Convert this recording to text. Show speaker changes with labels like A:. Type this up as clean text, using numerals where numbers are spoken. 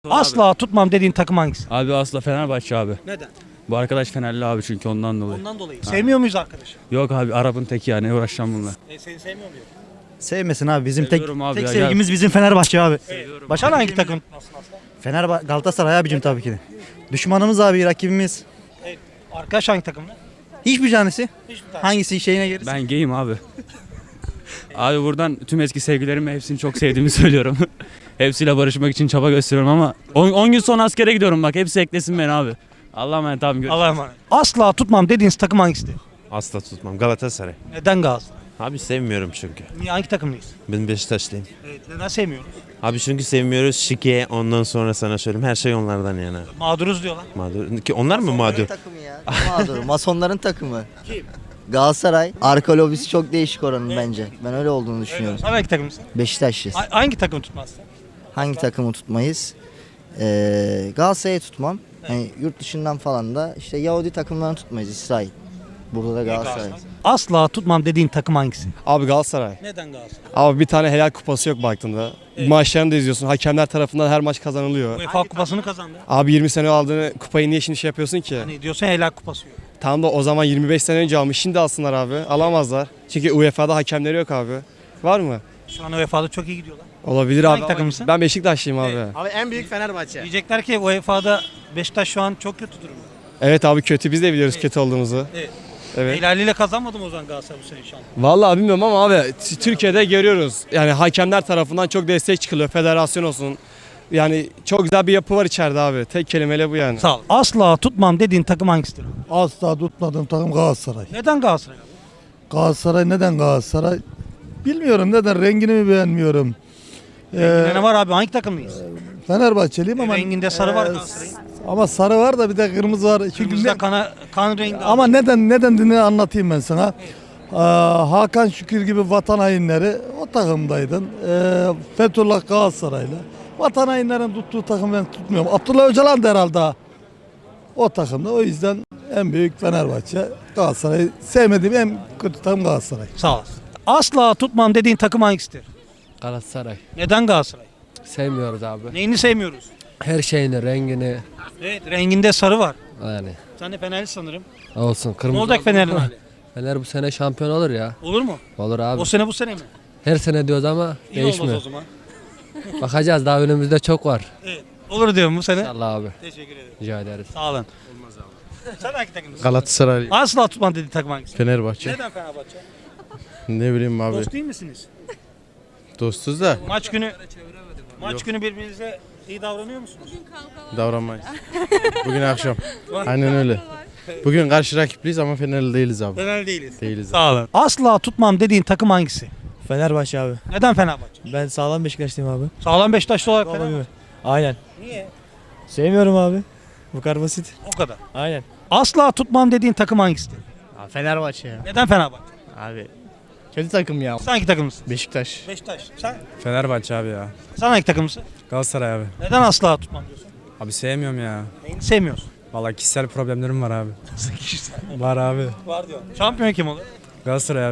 A: Asla tutmam dediğin takım hangisi?
B: Abi asla Fenerbahçe abi.
A: Neden?
B: Bu arkadaş Fenerli abi çünkü ondan dolayı.
A: Ondan dolayı. Sevmiyor muyuz arkadaşı?
B: Yok abi Arap'ın teki yani uğraşacağım bununla.
A: Seni sevmiyor muyum?
C: Sevmesin abi. Bizim
B: Seviyorum abi
C: tek
B: ya,
C: sevgimiz bizim Fenerbahçe abi.
A: Başka hangi takım?
C: Galatasaray abicim tabii ki de. Düşmanımız abi, rakibimiz.
A: Arkadaş hangi takımda?
C: Hiçbir tanesi.
A: Hiçbir tane.
C: Hangisi şeyine gelirse.
B: Ben gayim abi. Abi buradan tüm eski sevgilerime hepsini çok sevdiğimi söylüyorum. Hepsiyle barışmak için çaba gösteriyorum ama 10 gün sonra askere gidiyorum bak hepsi eklesin beni abi. Allah'a emanet abi görüşürüz.
A: Allah'a emanet. Asla tutmam dediğiniz takım hangisidir?
D: Asla tutmam. Galatasaray.
A: Neden Galatasaray?
D: Abi sevmiyorum çünkü.
A: Niye, hangi takımlıyız?
D: Ben Beşiktaşlıyım.
A: Evet, neden sevmiyoruz?
D: Abi çünkü sevmiyoruz. Şike ondan sonra sana söyleyeyim. Her şey onlardan yana.
A: Mağduruz diyorlar.
D: Mağdur. Ki onlar mı mağdur?
E: Takımı ya. Mağdur. Masonların takımı. Kim? Galatasaray. Arka lobisi çok değişik oranın bence. Ben öyle olduğunu düşünüyorum.
A: Sen hangi takımsın?
E: Beşiktaşlıyız.
A: Hangi takımı tutmazsın?
E: Hangi takımı tutmayız? Galatasaray'ı tutmam. Yani yurt dışından falan da işte Yahudi takımlarını tutmayız. İsrail. Burada da Galatasaray.
A: Asla tutmam dediğin takım hangisi?
F: Abi Galatasaray.
A: Neden Galatasaray?
F: Abi bir tane helal kupası yok baktığında. Maçlarını da izliyorsun. Hakemler tarafından her maç kazanılıyor.
A: UEFA kupasını kazandı.
F: Abi 20 sene aldığını kupayı niye şimdi şey yapıyorsun ki?
A: Hani diyorsun helal kupası yok.
F: Tam da o zaman 25 sene önce almış. Şimdi alsınlar abi. Alamazlar. Çünkü UEFA'da hakemleri yok abi. Var mı?
A: Şu an UEFA'da çok iyi gidiyorlar.
F: Olabilir
A: Hangi
F: abi.
A: takımısın?
F: Ben Beşiktaşlıyım abi.
G: Abi en büyük Fenerbahçe.
A: Diyecekler ki UEFA'da Beşiktaş şu an çok kötü durumda.
F: Evet abi kötü. Biz de biliyoruz kötü olduğumuzu.
A: Evet.
F: Evet.
A: Helaliyle kazanmadım o zaman Galatasaray bu sene inşallah.
F: Vallahi bilmiyorum ama abi Türkiye'de görüyoruz. Yani hakemler tarafından çok destek çıkılıyor. Federasyon olsun. Yani çok güzel bir yapı var içeride abi. Tek kelimeyle bu yani.
A: Sağ ol. Asla tutmam dediğin takım hangisidir?
H: Asla tutmadığım takım Galatasaray.
A: Neden Galatasaray?
H: Galatasaray neden Galatasaray? Bilmiyorum neden, rengini mi beğenmiyorum.
A: Ne var abi, hangi takımlıyız?
H: Fenerbahçeliyim ama
A: Renginde sarı var Galatasaray'ın.
H: ama sarı var da bir de kırmızı var. Çünkü
A: Kırmızıda kan rengi.
H: ama neden anlatayım ben sana. Hakan Şükür gibi vatan hainleri o takımdaydın. Fethullah Galatasaraylı. Vatan hainlerin tuttuğu takım ben tutmuyorum. Abdullah Öcalan da herhalde o takımda. O yüzden en büyük Fenerbahçe. Galatasaray sevmediğim en kötü takım Galatasaray.
A: Sağ ol. Asla tutmam dediğin takım hangisidir?
I: Galatasaray.
A: Neden Galatasaray?
I: Sevmiyoruz abi.
A: Neyini sevmiyoruz?
I: Her şeyini, rengini
A: Evet, renginde sarı var.
I: yani
A: Sen de Fenerli sanırım.
I: olsun.
A: Ne
I: Kırmızı
A: olacak Fener'in hali?
I: Fener bu sene şampiyon olur ya.
A: Olur mu?
I: Olur abi.
A: O sene bu sene mi?
I: Her sene diyoruz ama
A: İyi olmaz o
I: değişmiyor.
A: zaman.
I: Bakacağız, daha önümüzde çok var.
A: Evet. Olur diyorum bu sene.
I: İnşallah abi.
A: Teşekkür ederim.
I: Rica ederiz.
A: Sağ olun. Olmaz abi. Sen hangi takımlısın?
J: Galatasaray,
A: Asla tutmam dediğin takım hangisi?
J: Fenerbahçe.
A: Neden Fenerbahçe?
J: Ne bileyim abi.
A: Dost değil misiniz?
J: Dostuz da
A: Maç günü birbirinize iyi davranıyor musunuz?
J: davranmayız. Bugün akşam. Aynen öyle. Bugün karşı rakipliyiz ama Fenerli değiliz abi.
A: Fenerli değiliz.
J: Değiliz.
A: Sağ olun. Asla tutmam dediğin takım hangisi?
G: Fenerbahçe abi.
A: Neden Fenerbahçe?
G: Ben sağlam Beşiktaşlıyım abi.
A: Sağlam Beşiktaşlı olarak Fenerbahçe.
G: Aynen.
A: Niye?
G: Sevmiyorum abi. Bu kadar basit.
A: O kadar.
G: Aynen.
A: Asla tutmam dediğin takım hangisidir?
G: Fenerbahçe ya.
A: Neden Fenerbahçe?
G: Abi. Kötü takım ya.
A: Sen hangi takımlısın?
G: Beşiktaş.
A: Beşiktaş. Sen?
B: Fenerbahçe abi ya.
A: Sen hangi takımlısın?
B: Galatasaray abi.
A: Neden asla tutmam diyorsun?
B: Abi sevmiyorum ya.
A: Neyini sevmiyorsun?
B: Vallahi kişisel problemlerim var abi. Var abi.
A: Var diyor. Şampiyon kim olur?
B: Galatasaray abi.